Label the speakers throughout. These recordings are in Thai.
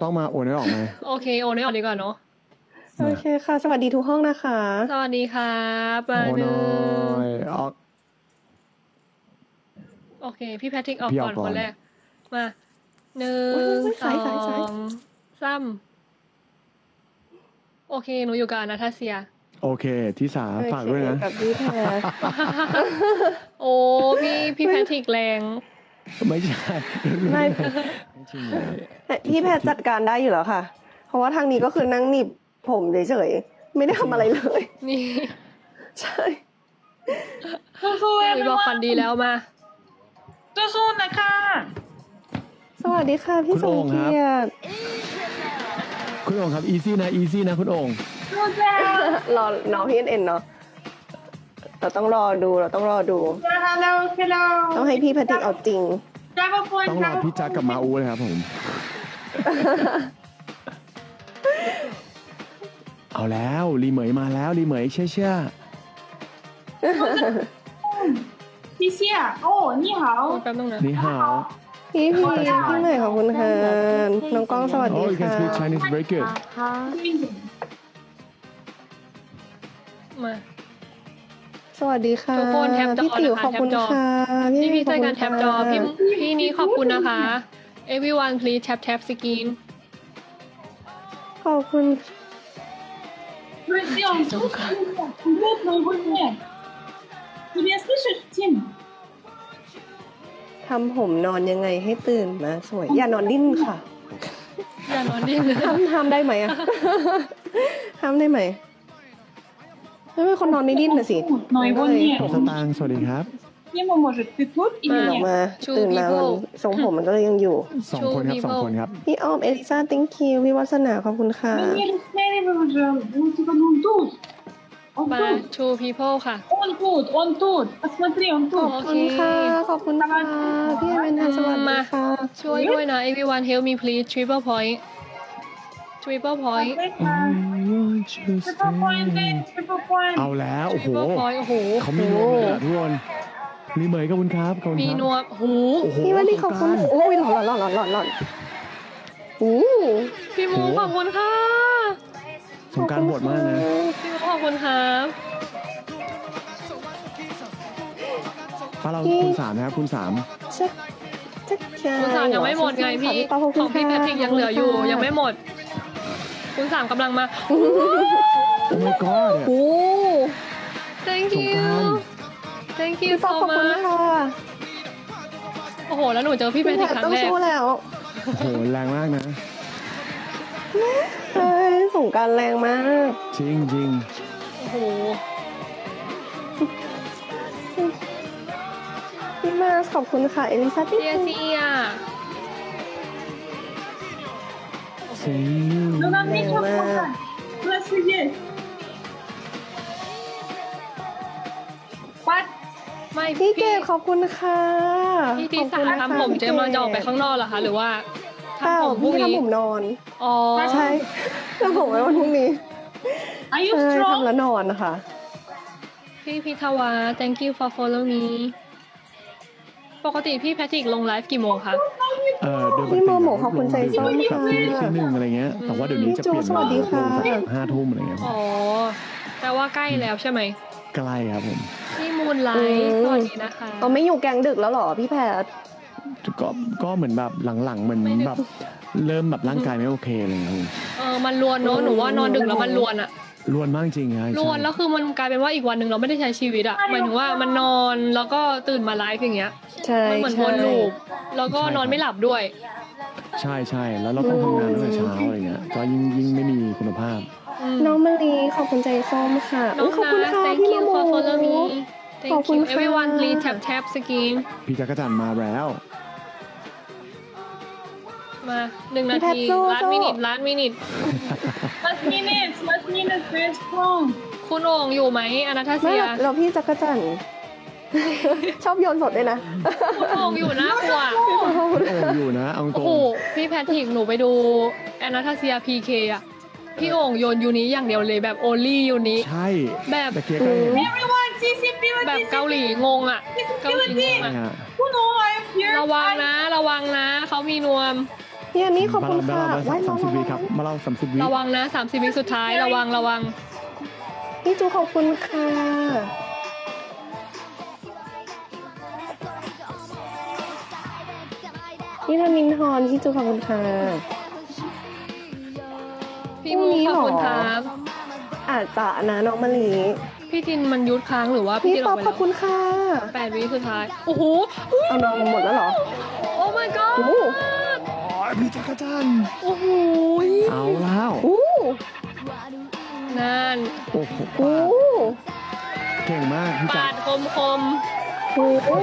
Speaker 1: ต้องมาโอนให้ออกไหม
Speaker 2: โอเคโอนให้ออกดีกว่าเนาะ
Speaker 3: โอเคค่ะสวัสดีทุกห้องนะคะ
Speaker 2: สวัสดีครับมา
Speaker 1: โอน
Speaker 2: หนึ่
Speaker 1: น้
Speaker 2: ง
Speaker 1: อยออก
Speaker 2: โอเค พี่แพทริกออก
Speaker 1: พี่อ
Speaker 2: ก่
Speaker 1: อ
Speaker 2: อก น
Speaker 1: ก่
Speaker 2: ค
Speaker 1: อน
Speaker 2: นแรกมาหนึ่
Speaker 3: เว้
Speaker 2: ง
Speaker 3: ย
Speaker 2: สอ
Speaker 3: สาย
Speaker 2: งสามโอเคหนูอยู่กับอนาทาเซีย
Speaker 1: โอเคที่สามฝากด้วยนะ
Speaker 3: โอเคกับพี่แพร
Speaker 2: โอ้พี่แพทริกแรง
Speaker 1: ไม่ใช่
Speaker 3: ไม่
Speaker 1: จริงเลย
Speaker 3: พี่แพรจัดการได้อยู่แล้วค่ะ เพราะว่าทางนี้ก็คือนั่งหนีบผมเฉยๆไม่ได้ทำอะไรเลย
Speaker 2: นี่
Speaker 3: ใช่
Speaker 2: หนูบอกฝันดีแล้วมา
Speaker 4: สู้ๆนะคะ
Speaker 3: สวัสดีค่ะพี่สมเกียรติ
Speaker 1: คุณโอ่งครับอีซี่นะคุณโอ่ง
Speaker 3: รอน้องพี่เอ็นเนาะเราต้องรอดู
Speaker 4: Hello
Speaker 3: ต้องให้พี่แพทริกเอาจริง
Speaker 4: Travel point
Speaker 1: ต้องรอพี่จักกับมาอูเลยครับผม เอาแล้วรีเหมยมาแล้วรีเหมยเชื่อ
Speaker 4: 谢谢哦你好
Speaker 2: แป๊บนึงนะ
Speaker 1: นี่ฮาว
Speaker 3: พี่ใหม่ขอบคุณค่ะน้องก้องสวัส
Speaker 1: Oh
Speaker 3: ดี
Speaker 1: you can
Speaker 3: ค่ะ
Speaker 1: speak Chinese very good
Speaker 2: มา
Speaker 3: สวัสดีค่ะ
Speaker 2: ทุกคนแท็บจอ
Speaker 3: พี่ติ๋ว
Speaker 2: นะคะ
Speaker 3: ขอบคุณ
Speaker 2: แท็บจอ
Speaker 3: ค่ะ
Speaker 2: พี่ช่วยกัน
Speaker 3: ข
Speaker 2: แท็
Speaker 3: อบบ คุณ
Speaker 2: จอ
Speaker 3: ค่ะ
Speaker 2: พี่นี้ขอบคุณนะคะ everyone please tap screen
Speaker 3: ขอบคุณ
Speaker 4: Друзья, вот на его нет. Ты меня слышишь, Тим?
Speaker 3: ทำผมนอนยังไงให้ตื่นมาสวย อย่านอนดิ้นค่ะ
Speaker 2: อย่านอนดิ้น
Speaker 3: ห้ามได้ไหมอะ ห้ามได้ไหมไม่เป็นคนนอนไม่ดิ้นน่ะสิ
Speaker 4: Но его
Speaker 1: ๆ
Speaker 4: нет.
Speaker 1: สตางค์สวัสดีครับ
Speaker 4: Ему может, ты тут
Speaker 3: ตื่น
Speaker 4: или
Speaker 3: ออก
Speaker 4: нет?
Speaker 3: มา
Speaker 2: Two
Speaker 3: ตื่นมามัน
Speaker 2: people
Speaker 3: ทรงผมมันก็เลยยังอยู่
Speaker 1: สองคนครับ
Speaker 2: Two
Speaker 1: สอง
Speaker 2: people
Speaker 1: คนครับ
Speaker 3: พี่อ้อมเอลิซา thank you พี่วัฒนาขอบคุณค่ะ
Speaker 4: Да не рассмеивай уже. Он типа, ну, он тут. Он
Speaker 2: มา
Speaker 4: тут.
Speaker 2: two people ค่ะ
Speaker 4: Он тут. Посмотри, он
Speaker 3: ขอบ
Speaker 4: тут.
Speaker 3: คุณค่ะ ขอบคุณค่ะ พี่เอเวนทันสวัสดีค่ะ
Speaker 2: ช่วยด้วยนะ everyone help me please triple point triple point
Speaker 4: Triple point, triple point.
Speaker 1: เอาแล้วโอ้โห
Speaker 2: triple point โอ้โห
Speaker 1: เขามีนวมเลยอะทุกคนรีเหมยขอบคุณครับขอบคุณ
Speaker 2: มี
Speaker 1: ครับ
Speaker 2: นวมโอ้โห
Speaker 1: โอ้โห
Speaker 3: พี่วันนี้ขอบคุณ
Speaker 1: สงกรานต์
Speaker 3: โอ้ยหล่อนอู้
Speaker 2: พี่มูขอบคุณค่ะ
Speaker 1: สงกรารบทมากนะ
Speaker 2: พี่มูขอบคุณครับ
Speaker 1: ฟ้าเราคุณสามนะครับคุณสาม
Speaker 3: ชักใช่
Speaker 2: คุณสามยังไม่หมดไงพี่
Speaker 3: ขอบ
Speaker 2: ข
Speaker 3: คุ
Speaker 2: อ
Speaker 3: ณ
Speaker 2: งพี่แพทริกยังเหลืออยู่ยังไม่หมด คุณสามกำลังมา
Speaker 1: โอ้ my god
Speaker 3: โอ้
Speaker 2: thank
Speaker 1: สง
Speaker 2: you
Speaker 1: กรานต์
Speaker 2: thank you
Speaker 3: พี่ป๊อ
Speaker 2: so
Speaker 3: ปขอบคุณ
Speaker 2: much
Speaker 3: ค่ะ
Speaker 2: โอ้โหแล้วหนูเจอพี่แพ
Speaker 3: พี่
Speaker 2: ท
Speaker 3: แพ
Speaker 2: ริก
Speaker 3: ท
Speaker 2: ครั้
Speaker 3: ต้อง ง
Speaker 2: แรก
Speaker 3: สู้แล้ว
Speaker 1: โอ้โหแรงมากนะ
Speaker 3: เฮ้ยสงกรารแรงมาก
Speaker 1: จริงจริง
Speaker 2: โอ้โห
Speaker 3: พี่มาขอบคุณค่ะ เอลิซาติ
Speaker 2: เซียเซีย
Speaker 1: ซี
Speaker 4: Ну, нам нечего сказать. У нас все есть. What?
Speaker 2: ไม่
Speaker 3: พี่
Speaker 2: พี่
Speaker 3: เกดขอบคุณค่ะ
Speaker 2: พี่ที่
Speaker 3: ขอบ
Speaker 2: สา
Speaker 3: คุณนะคะ
Speaker 2: ทำผม
Speaker 3: พี่
Speaker 2: เจมส์จะออกไปข้างนอกเหรอคะหรือว่า
Speaker 3: เปล่า
Speaker 2: ทำผมพรุ่
Speaker 3: พี่
Speaker 2: งนี้
Speaker 3: ทำผมนอน
Speaker 2: อ๋อ
Speaker 3: ใช่ทำผมไว้วันพรุ่งนี้
Speaker 4: Are you
Speaker 3: ใช่
Speaker 4: strong?
Speaker 3: ทำแล้วนอนนะคะ
Speaker 2: พี่พิทวา thank you for follow me ปกติพี่แพทริกลงไลฟ์กี่โมงคะ
Speaker 1: โดยปก
Speaker 3: พี่
Speaker 1: ติ
Speaker 3: โมโมขอบคุณใจส้ม
Speaker 1: แบบ
Speaker 3: ค่ะ
Speaker 1: ที่หนึ่งอะไรเงี้ย แต่ว่าเดี๋ยวนี้จะเปลี่ยน
Speaker 3: สวัสดีค่ะ
Speaker 1: ลงสัก5 ทุ่มอะไรเงี้ย
Speaker 2: อ๋อแปลว่าใกล้แล้วใช่ไหม
Speaker 1: ใกล้ครับผม
Speaker 2: พี่มูนไลฟ์สวัสดีนะคะ
Speaker 3: เราไม่อยู่แกงดึกแล้วเหรอพี่แพท
Speaker 1: ก็เหมือนแบบหลังๆเหมือนแบบเริ่มแบบร่างกายไม่โอเคอะไรเงี้ยครับผม
Speaker 2: มันลวนเนอะหนูว่านอนดึกแล้วมันลวนอะ
Speaker 1: รวนมากจริงครับ
Speaker 2: ลวนแล้วคือมันกลายเป็นว่าอีกวันหนึ่งเราไม่ได้ใช้ชีวิตอะหมายถึงว่ามันนอนแล้วก็ตื่นมาไลฟ์อย่างเงี้ย
Speaker 3: ใช่
Speaker 2: มันเหมือนวนลูปแล้วก็นอนไม่หลับด้วย
Speaker 1: ใช่ใช่แล้วเราต้องทำงานตั้งแต่เช้าอะไรเงี้ยก็ยิ่งไม่มีคุณภาพ
Speaker 3: น้องมะลีขอบคุณใจส้มค่ะ
Speaker 2: น้อง
Speaker 3: ขอบคุณ
Speaker 2: นัท
Speaker 3: ค่ะ
Speaker 2: thank
Speaker 3: พี่
Speaker 2: you
Speaker 3: โม
Speaker 2: for
Speaker 3: โม
Speaker 2: follow me
Speaker 3: ขอบ
Speaker 2: thank
Speaker 3: คุณ
Speaker 2: you
Speaker 3: ค่ะ
Speaker 2: everyone please tap screen
Speaker 1: พี่จักรจันทร์มาแล้ว
Speaker 2: มา1 นาที ล้านมินิท
Speaker 4: Last minute, very strong.
Speaker 2: คุณโอ่งอยู่ไหมอนาทา
Speaker 3: ไม่
Speaker 2: เซีย
Speaker 3: เราพี่จักรจันทร์ ชอบโยนสดด้วยนะ
Speaker 2: คุณโอ่งอยู่นะกว่า
Speaker 1: โอ้อยู่นะเอาต
Speaker 2: โอ้
Speaker 1: รง
Speaker 2: โหพี่แพทริกหนูไปดูอนาทาเซีย PK อะพี่โอ่งโยนยูนี้อย่างเดียวเลยแบบ only ยูนี้
Speaker 1: ใช่
Speaker 2: แบบ
Speaker 1: ตะเกียบก็เห็น
Speaker 4: Everyone, TCP,
Speaker 2: แบบเกาหลีงงอะเกาหลีงง
Speaker 1: ใช่
Speaker 2: อะ
Speaker 1: ฮะ
Speaker 4: Who know I am here?
Speaker 2: ระวังนะเขามีนวม
Speaker 3: พี่อันนี้ขอบ
Speaker 1: มา
Speaker 3: คุณ
Speaker 1: เรา
Speaker 3: ค่ะ
Speaker 1: มาเรา30 วิครับ มาเรา30 วิ
Speaker 2: ระวังนะ30 วิสุดท้ายระวัง
Speaker 3: พี่จูขอบคุณค่ะพี่ธนินทรพี่จูขอบคุณค่ะ
Speaker 2: พี่มูขอบคุณครับ
Speaker 3: อาจจะนะน้องมะลิ
Speaker 2: พี่จินมันยุดค้างหรือว่าพี่
Speaker 3: พี่
Speaker 2: จิน
Speaker 3: ป๊
Speaker 2: อ
Speaker 3: อ
Speaker 2: อก
Speaker 3: ป
Speaker 2: ไป
Speaker 3: ขอบคุณค่ะ
Speaker 2: 8 วิสุดท้ายโอ้โห
Speaker 3: เอาน้องมาหมดแล้วเหรอ
Speaker 2: โอ้ my god
Speaker 3: โอ้
Speaker 1: พี่จักรจันทร์
Speaker 2: โอ้โห
Speaker 1: เอาแล้ว
Speaker 3: โอ้
Speaker 2: นั่น
Speaker 1: โอ้โห
Speaker 3: โอ้
Speaker 1: เก่งมากพี่จั
Speaker 2: ปาก ด
Speaker 1: ร
Speaker 2: คม
Speaker 3: โอ้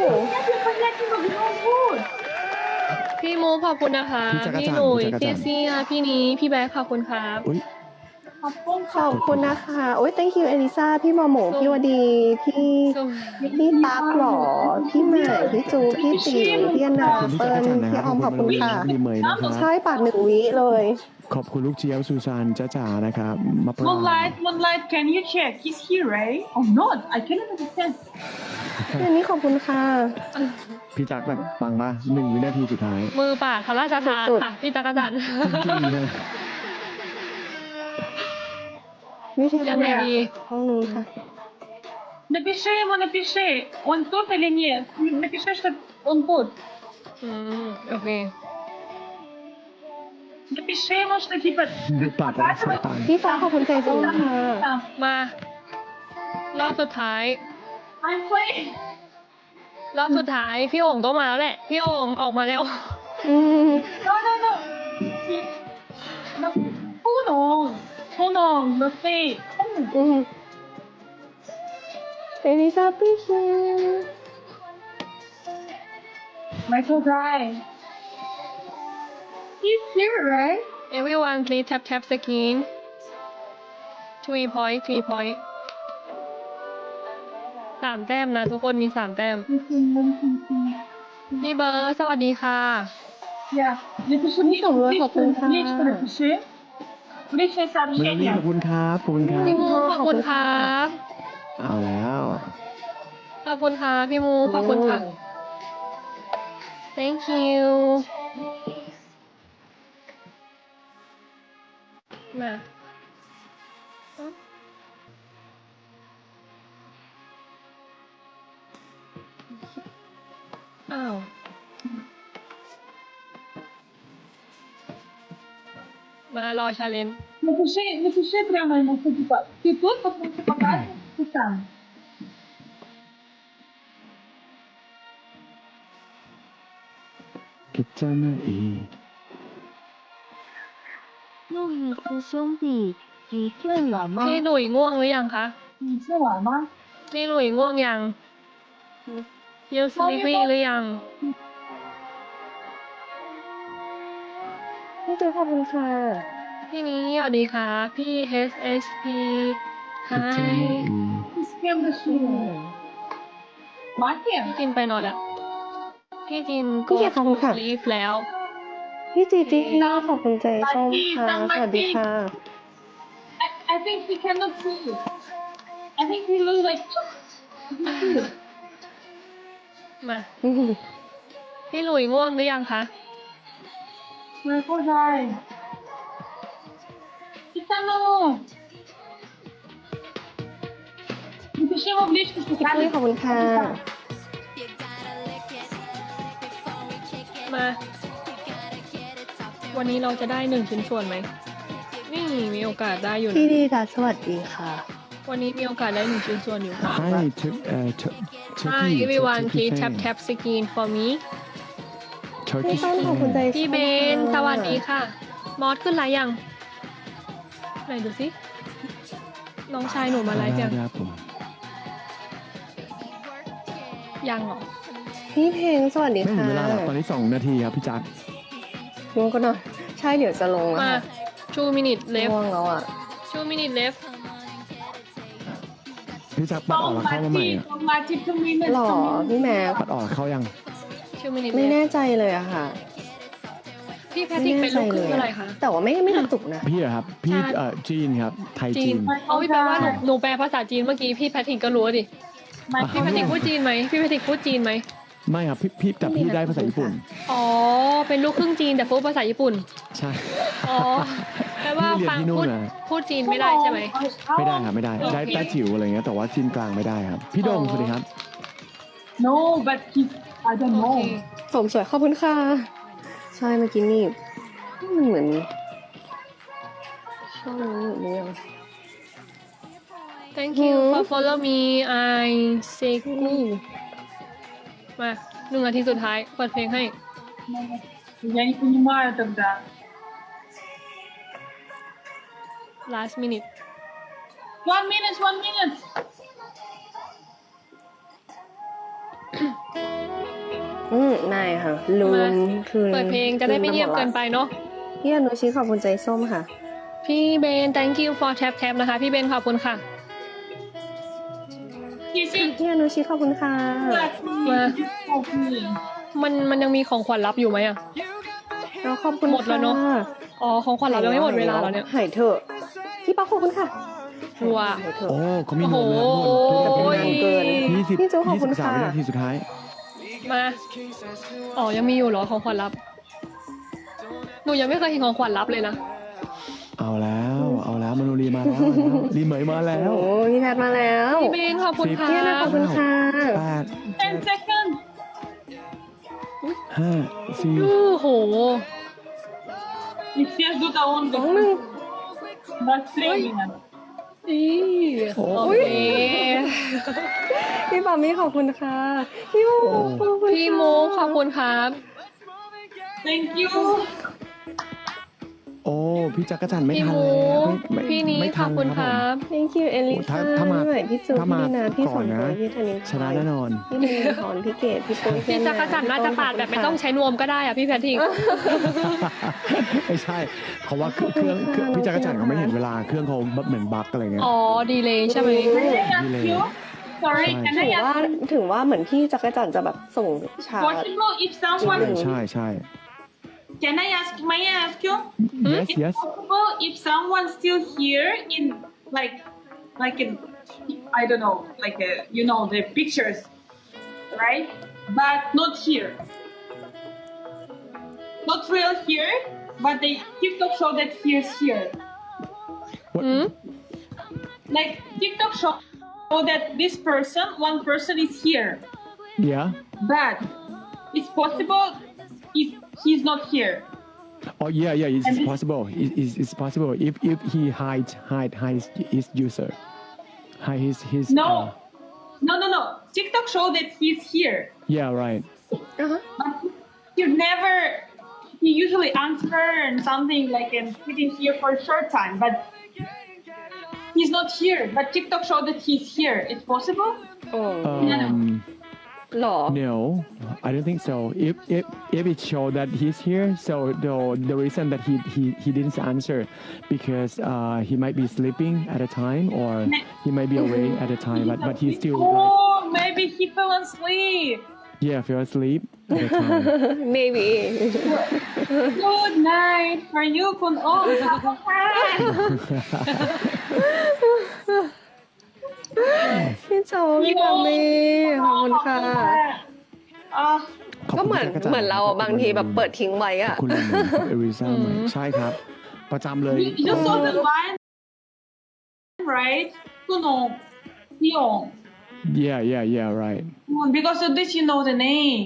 Speaker 2: พี่มูขอบคุณนะคะ พี่หนุ่ยพี่เซียพี่นี้พี่แบ๊กขอบคุณครับ
Speaker 1: อุ้ย
Speaker 3: ขอบคุณนะคะ โอ้ย thank you เอลิซาพี่มอโหมพี่วดี พี่ตั๊กหรอ พี่ใหม่พี่จู พี่ติ๋วพี่อนา
Speaker 1: ขอบคุณพี่
Speaker 3: เปิ้
Speaker 1: จัก
Speaker 3: ล
Speaker 1: รจันทร์นะค
Speaker 3: พี่
Speaker 1: รับ
Speaker 3: ออมขอบคุณค่ะ
Speaker 1: รีเมย์นะครับ
Speaker 3: ใช่ปาด1 วิเลย
Speaker 1: ขอบคุณลูกเจี๊ยบซูซานจ้าจ๋านะครับมะปราง
Speaker 4: Moonlight, can you check? He's here, right? Or not? I cannot understand.
Speaker 3: พี่อันนี้ขอบคุณค่ะ
Speaker 1: พี่จักรแบบฟังป่ะ1 วินาทีสุดท้าย
Speaker 2: มือปากพระราชทาน
Speaker 3: สุดๆ
Speaker 2: ค่ะพี่จักรจันทร์
Speaker 1: จริงๆนะ
Speaker 3: วิธี
Speaker 2: ยังไงดี
Speaker 3: ห้องนู้นค่ะ
Speaker 4: Напиши ему, напиши. Он тут или нет? Напиши, что он тут.
Speaker 2: โอเค
Speaker 4: Напиши ему, что типа...
Speaker 1: ปากรักษาตาย
Speaker 3: พี่ฟ้าขอบคุณใจจริงค่ะ
Speaker 2: มารอบสุดท้าย
Speaker 4: I'm playing.
Speaker 2: รอบสุดท้ายพี่โอ่งต้องมาแล้วแหละ พี่โอ่งออกมาแล้ว
Speaker 3: อืม
Speaker 4: No, no, no. No. Hold on. Hold on. No say.
Speaker 3: อืมเอลิซาพี่เช
Speaker 4: Michael Guy. He's here, right?
Speaker 2: everyone please tap screen 3 point 3 แต้มนะทุกคนมี 3 แต้ม พี่เบิร์ดสวัสดีค่ะ
Speaker 4: Yeah. Напиши мне, лично напиши. Личное
Speaker 1: เมลลี่
Speaker 4: сообщение.
Speaker 1: ขอบคุณครับขอบคุณครับ
Speaker 2: พี่มูขอบคุณครับ
Speaker 1: เอาแล้ว
Speaker 2: ขอบคุณค่ะพี่มูขอบคุณค่ะ thank you มาอ้าว มารอชาเลนจ์
Speaker 4: Напиши прямо ему, что типа, ты тут, потому что показываешь, ты там.
Speaker 1: กิจนาอี
Speaker 5: 路易斯兄弟，你睡了吗？
Speaker 2: พี่หลุยง่วงหรือยังคะ
Speaker 4: 你吃完吗？
Speaker 2: พี่หลุยง่วงยังยูสลิปี้หรือยัง
Speaker 3: พี่จูขอบคุณค่ะ
Speaker 2: พี่นี้สวัสดีค่ะ พี่ HSP
Speaker 1: กิจนาอี
Speaker 4: Ты с кем решила? Мати?
Speaker 2: พี่จินไปนอนแล้วพี่จิน
Speaker 3: พี่เกียรติขอบคุณค่ะ
Speaker 2: ลีฟแล้ว
Speaker 3: พี่จีจีน่าขอบคุณใจส้มค่ะ สวัสดีค่ะ
Speaker 4: I think he cannot see you. I think he looks like...
Speaker 2: มา พี่หลุยง่วงหรือยังคะ
Speaker 4: Michael Guy. Титану! Напиши ему в личку, что
Speaker 3: พี่ตุ้ยขอบคุณค่ะ
Speaker 2: มา วันนี้เราจะได้1 ชิ้นส่วนไหม นี่มีโอกาสได้อยู่
Speaker 3: พี่
Speaker 2: นะ
Speaker 3: ดีดาสวัสดีค่ะ
Speaker 2: วันนี้มีโอกาสได้1 ชิ้นส่วนอยู่ค่ะ
Speaker 1: ให้
Speaker 2: Hi everyone please tap screen for me
Speaker 3: พี่ต้นขอบคุณใจส้ม
Speaker 2: พี่เบนสวัสดีค่ะ มอสขึ้นไลฟ์ยัง ไหนดูสิ น้องชายหนูมาไลฟ์ยัง
Speaker 1: ครับผม
Speaker 2: ยังเหรอ
Speaker 3: พี่เพลงสวัสดี
Speaker 1: ไม่ถึ
Speaker 3: ค่ะ
Speaker 1: งเวลาหรอกตอนนี้2 นาทีครับพี่จักร
Speaker 3: ง่วงก็นอนใช่เดี๋ยวจะลงแล้ว
Speaker 2: มา
Speaker 3: ค่ะ
Speaker 2: 2 minute left
Speaker 3: ง่วงแล้วอ่ะ
Speaker 2: 2 minute left
Speaker 1: พี่จักรปัดออกแล้วเข้ามาใหม่อะ
Speaker 4: Don't Mati, 2 minutes.
Speaker 3: หล่อ
Speaker 4: 2 minutes.
Speaker 3: พี่แม็ก
Speaker 1: ปัดออกเข้ายัง
Speaker 2: 2 minute
Speaker 3: ไม่
Speaker 2: left
Speaker 3: แน่ใจเลยอะค่ะ
Speaker 2: พี่แพท
Speaker 3: ไม่
Speaker 2: ริก
Speaker 3: แน่
Speaker 2: เป็น
Speaker 3: ใจ
Speaker 2: ลูกค
Speaker 3: เล
Speaker 2: รึ่ง
Speaker 3: ย
Speaker 2: อะไร
Speaker 3: อะ
Speaker 2: คะ
Speaker 3: แต่ว่าไม่กระตุกนะ
Speaker 1: พี่เหรอครับ พี่
Speaker 2: ใช่
Speaker 1: จีนครับ ไทย
Speaker 2: จี
Speaker 1: จี
Speaker 2: น
Speaker 1: น
Speaker 2: เอาพี่แปลว่าหนูแปลภาษาจีนเมื่อกี้พี่แพทริกก็รู้ดิ
Speaker 4: Mati,
Speaker 2: พี่แพทริกพูดจีนไหมพี่แพทริกพูดจีนไหม
Speaker 1: ไม่ครับพี่แต่พี่ได้ภาษาญี่ปุ่น
Speaker 2: อ๋อ เป็นลูกครึ่งจีนแต่พูดภาษาญี่ปุ่น
Speaker 1: ใช่
Speaker 2: อ๋อแปลว่า
Speaker 1: พี่เรียน
Speaker 2: ฟัง
Speaker 1: ที่นู่
Speaker 2: พู
Speaker 1: น
Speaker 2: ด
Speaker 1: นะ
Speaker 2: พูดจีนไม่ได้ใช่ไหม
Speaker 1: ไม่ได้ครับไม่ได้
Speaker 2: โอเค
Speaker 1: ได้จิ๋วอะไรเงี้ยแต่ว่าจีนกลางไม่ได้ครับ พี่โดงสวัสดีครับ
Speaker 4: No, but he, I don't
Speaker 2: โอ
Speaker 4: know.
Speaker 2: เค
Speaker 3: ผมสวยขอบคุณค่ะ ใช่เมื่อกี้นี่มันเหมือนช่องนี้หรือยัง
Speaker 2: thank you for follow me I say gu มา1 นาทีสุดท้ายเปิดเพลงให้
Speaker 4: Я не понимаю тогда.
Speaker 2: last minute
Speaker 4: 1 minute, 1 minute.
Speaker 3: ไม่ค่ะลื
Speaker 2: มาม
Speaker 3: คือ
Speaker 2: เปิดเพลงจะได้ไม่เงียบเกินไปเนาะ
Speaker 3: พี่อนุชิขอบคุณใจส้มค่ะ
Speaker 2: พี่เบน thank you for tap tap นะคะ พี่เบนขอบคุณค่ะ
Speaker 4: He said,
Speaker 3: พี่อนุชิขอบคุณค่ะ
Speaker 4: "Let me, help me."
Speaker 2: มันยังมีของขวัญรับอยู่ไหมอ่ะ
Speaker 3: เราขอบคุณ
Speaker 2: หมดแล้วเนอะ
Speaker 3: ค่
Speaker 2: อ๋อ ของขวัญรับยังไม่หมดเวลาแล้วเนี่ย
Speaker 3: หายเถอะพี่ป๊อกขอบคุณค่ะ
Speaker 2: ว้า
Speaker 3: หายเถอะ
Speaker 1: โอ้เขามี
Speaker 2: โอ้
Speaker 1: โน
Speaker 2: โห
Speaker 1: มนะครับทุกคน
Speaker 3: โอ้ย
Speaker 1: ทุก
Speaker 3: เกิน
Speaker 1: 20
Speaker 3: พี่จูขอบคุณ
Speaker 1: 23
Speaker 3: ค่ะ
Speaker 1: วินาทีสุดท้าย
Speaker 2: มา อ๋อ ยังมีอยู่เหรอของขวัญรับ หนูยังไม่เคยเห็นของขวัญรับเลยนะ
Speaker 1: เอาแล้วมโนรีมาแล้วรีเหมยมาแล้ว
Speaker 3: โอ้พี่แพทมาแล้ว
Speaker 2: พี่เบนขอบคุณค่ะ
Speaker 3: พี่อนุขอบคุณค่ะ
Speaker 1: 8
Speaker 4: 10 seconds.
Speaker 1: 5 4
Speaker 2: โอ้โห
Speaker 4: И все ждут, а он
Speaker 3: 2 1
Speaker 4: 23 minutes.
Speaker 2: อีโอเค
Speaker 3: พี่ปามี่ขอบคุณค่ะ พี่มูขอบคุณ
Speaker 2: พี่มูขอบคุณครับ
Speaker 4: Thank you.
Speaker 1: โอ้พี่จักรจันทร์ไม่
Speaker 2: พี่
Speaker 1: ทัน
Speaker 2: มู
Speaker 1: แล้วไม่
Speaker 2: พี่นี้
Speaker 1: ไม่
Speaker 2: ข
Speaker 1: ทั
Speaker 2: อบคุณค
Speaker 1: ผม
Speaker 2: รับ
Speaker 3: thank you เอลิ
Speaker 1: โอ้
Speaker 3: ซ่า
Speaker 1: ถ้ามา
Speaker 3: พี่ใหม่พี่จู
Speaker 1: ถ้ามา
Speaker 3: พี่นาพี่
Speaker 1: ก่
Speaker 3: ส
Speaker 1: อน
Speaker 3: น
Speaker 1: นะ
Speaker 3: ตัวพี่ธนิน
Speaker 1: ชนะแน่นอน
Speaker 3: พี่ลินทอนพี่เกดพี่ปุ้ย
Speaker 2: พี่จักรจันทร์น่าจะปาดแบบไม่ต้องใช้นวมก็ได้อะพี่แพทริก
Speaker 1: ไม่ใช่เพราะว่าเครื่องพี่จักรจันทร์เขาไม่เห็นเวลาเครื่องเขาแบบเหมือนบั๊กอะไรเงี้ย
Speaker 2: อ๋อ ดีเลยใช่ไหม
Speaker 4: Can I ask you? Sorry, can
Speaker 3: ถึ
Speaker 4: I
Speaker 3: งว่า
Speaker 4: ask
Speaker 3: ถึงว่าเหมือนพี่จักรจันทร์จะแบบส่งชา
Speaker 4: possible if
Speaker 1: ใช่
Speaker 4: someone
Speaker 1: ใช่
Speaker 4: can I ask may I ask you?
Speaker 1: yes yes
Speaker 4: Possible if someone still here in like in I don't know like you know the pictures right but not here not real here but the TikTok show that he is here
Speaker 1: What?
Speaker 2: อืม
Speaker 4: like TikTok show that this person one person is here
Speaker 1: yeah
Speaker 4: but it's possible if he's not here
Speaker 1: oh yeah it's possible it's possible if he hide his user hide his
Speaker 4: no no TikTok show that he's here
Speaker 1: yeah right
Speaker 4: but he never he usually answer and something like and sitting here for a short time but he's not here but TikTok show that he's here it's possible
Speaker 3: โอ้
Speaker 1: um
Speaker 3: หรอ
Speaker 1: no I don't think so if it show that he's here so the reason that he didn't answer because he might be sleeping at a time or he might be awake at a time but he's still like
Speaker 4: oh maybe he fell asleep
Speaker 1: yeah fell asleep at the time
Speaker 3: maybe
Speaker 4: good night for you kun oh
Speaker 3: พี่โจพี่ปามี่ขอบคุณค่ะ
Speaker 1: ขอบ
Speaker 3: ก็
Speaker 1: คุณ
Speaker 3: เหมือน
Speaker 1: จักรจันทร์
Speaker 3: เหมือนเราอะบางทีแบบเปิดทิ้งไว้อะ
Speaker 1: ขอบคุณคุณเอริซ่าใหม่ใช่ครับ ประจำเลย
Speaker 4: you saw the line right Kunong Hyung
Speaker 1: yeah right
Speaker 4: because of this you know the name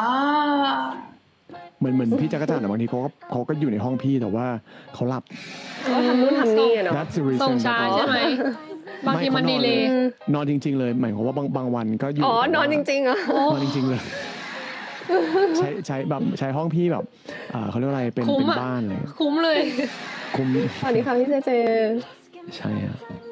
Speaker 1: เหมือนพี่จักรจันทร์อะบางทีเขาก็อยู่ในห้องพี่แต่ว่าเขาหลับ
Speaker 3: ก็ทำนู่นทำนี่อะเนาะ
Speaker 1: That's the
Speaker 2: ส่ง
Speaker 1: reason
Speaker 2: ช้าใช่ไหม บางทีมันดีเลย
Speaker 1: นอนจริง ๆ เลยหมายความว่าบางวันก็อยู่
Speaker 3: อ๋อนอนจริงๆเหรอ
Speaker 1: นอนจริง ๆ เลย ใช้แบบใช้ห้องพี่แบบเขาเรียกว่าอะไรเป็น
Speaker 2: คุ้มอะ
Speaker 1: บ้านเลย
Speaker 2: คุ้มเลย
Speaker 1: คุ้ม
Speaker 3: สวัสดีค่ะพี่เจเจ
Speaker 1: ใช่อะ